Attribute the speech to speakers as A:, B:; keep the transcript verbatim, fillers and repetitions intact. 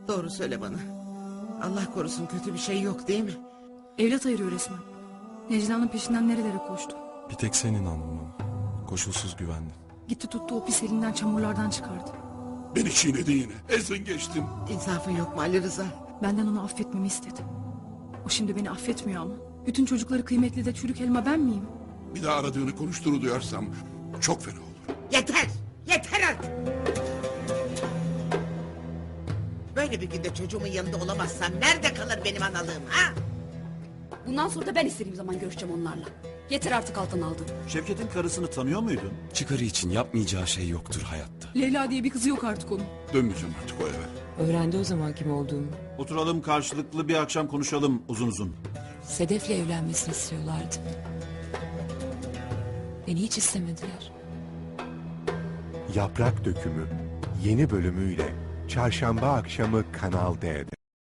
A: Doğru söyle bana. Allah korusun, kötü bir şey yok değil mi?
B: Evlat ayırıyor resmen. Necla'nın peşinden nerelere koştu.
C: Bir tek sen inandın bana. Koşulsuz güvendim.
B: Gitti tuttu o pis elinden çamurlardan çıkardı.
D: Beni çiğnedi yine. Ezdin geçtin.
A: İnsafın yok mu Ali Rıza?
B: Benden onu affetmemi istedi. O şimdi beni affetmiyor ama. Bütün çocukları kıymetli de çürük elma ben miyim?
D: Bir daha aradığını konuştuğunu duyarsam çok fena olur.
A: Yeter! Yeter artık! Böyle bir günde çocuğumun yanında olamazsam nerede kalır benim analığım ha?
E: Bundan sonra da ben istediğim zaman görüşeceğim onlarla. Yeter artık alttan aldın.
F: Şevket'in karısını tanıyor muydun?
C: Çıkarı için yapmayacağı şey yoktur hayatta.
B: Leyla diye bir kızı yok artık onun.
D: Dönmeyeceğim artık o eve.
G: Öğrendi o zaman kim olduğumu.
F: Oturalım karşılıklı bir akşam konuşalım uzun uzun.
G: Sedef'le evlenmesini istiyorlardı. Beni hiç istemediler.
H: Yaprak Dökümü yeni bölümüyle Çarşamba akşamı Kanal D'de.